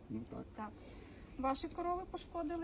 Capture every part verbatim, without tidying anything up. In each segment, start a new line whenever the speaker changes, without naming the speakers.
Ну так,
Так. Ваші корови пошкодили.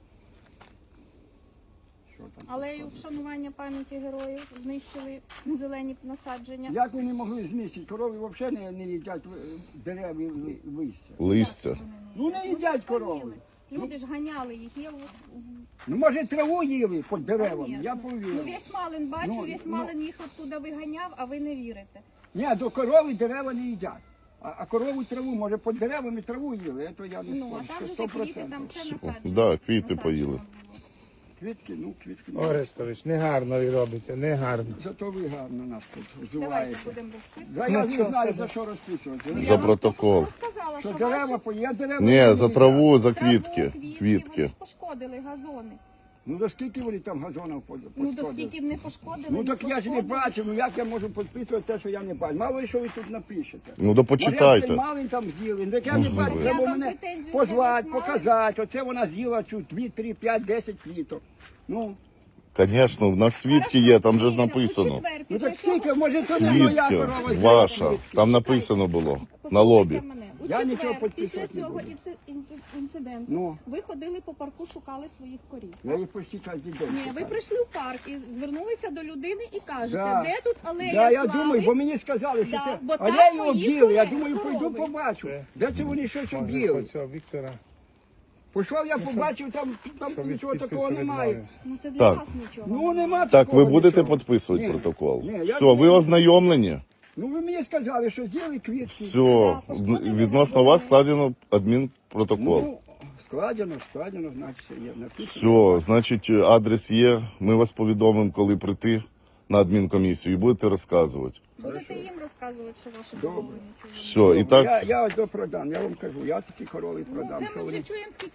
що там?
Алею вшанування пам'яті героїв, знищили зелені насадження.
Як вони могли знищити? Корови взагалі не, не їдять е, дерев і ли- листя.
Листя.
Ну не їдять корови.
Люди ж ганяли їх. Є у- у-
Ну може траву їли під деревами,
Конечно.
я
Ну
повірю.
весь Малин бачу,
Ну,
весь
ну.
Малин їх оттуда виганяв, а ви не вірите.
Ні, до корови дерева не їдять. А, а корову траву, може під деревами траву їли, це я не
Ну, а
спорю.
там
Це
же
сто
ж квіти, там
процентів.
все насаджено.
Да, квіти
Насаджено
поїли.
було.
Квітки, ну квітки.
Орестович, негарно ви робите, негарно.
Зато ви гарно нас тут
Давайте
взуваєте.
будемо
Да,
розписувати.
я
Ну,
не
що,
знаю,
це
за
ж-
що розписуватися.
Я
За
вам
протокол.
тільки що розказала,
Що
що
дерева,
ваші
по- я дерева
Ні,
не
за
їдять.
траву, за
траву,
квітки.
Вони
Квітки.
ж пошкодили газони.
Ну до скільки вони там газонів по-
Ну, до
пошкодили?
скільки б не пошкодили,
Ну
не
так я ж не
пошкодили.
бачив, ну як я можу підписувати те, що я не бачу. Мало ли, що ви тут напишете.
Ну то
Може,
почитайте.
цей малин там з'їли, так я не
Ну,
бачу,
ви.
треба
Я вам
мене
претензію
позвати,
до вас маю.
показати. Оце вона з'їла цю дві, три, п'ять, десять квіток. Ну,
Звісно, в нас свідки є, там же ж
Дивіться, у
написано.
четвер
ну
після
так скільки,
цього-
може це не моя
Свідки,
корова з'їла
ваша.
квітки.
Там написано було на
Послухайте
лобі.
мене. У
Я нічого
четвер,
підписувати
після
не
цього
буду.
інци- ін- інциденту
Ну.
ви ходили по парку, шукали своїх корів.
Я їх почти кожен день.
Ні, ви
шукаю.
прийшли в парк і звернулися до людини і кажете,
Да.
де тут алея
Да, я
слави?
думаю, бо мені сказали, що
Да,
це
бо там
алею
мої
об'їли. Я
корови.
думаю, прийду
Корови.
побачу.
Це-
Де це вони щось
Може,
об'їли?
оцього Віктора,
Пішов, я побачив, там, там
що від
нічого такого
підпису
немає.
відмовився.
Ну це для
Так.
вас нічого.
Ну нема
Так, ви
такого
будете
нічого.
підписувати
Ні.
протокол?
Ні, я
Все,
не
ви
буду.
ознайомлені?
Ну ви мені сказали, що з'їли квітки.
Все,
пошкодили
відносно
газони.
вас складено адмінпротокол.
Ну, складено, складено, значить, все є. Написано.
Все, значить, адрес є. Ми вас повідомимо, коли прийти на адмінкомісію і будете розказувати.
Будете їм розказувати, що ваші
Добре.
корови нічого.
Все, і
Я,
так,
я ось до продам, я вам кажу, я ці корови
Ну,
продам.
це
що
ми
вони-
вже чуємо, скільки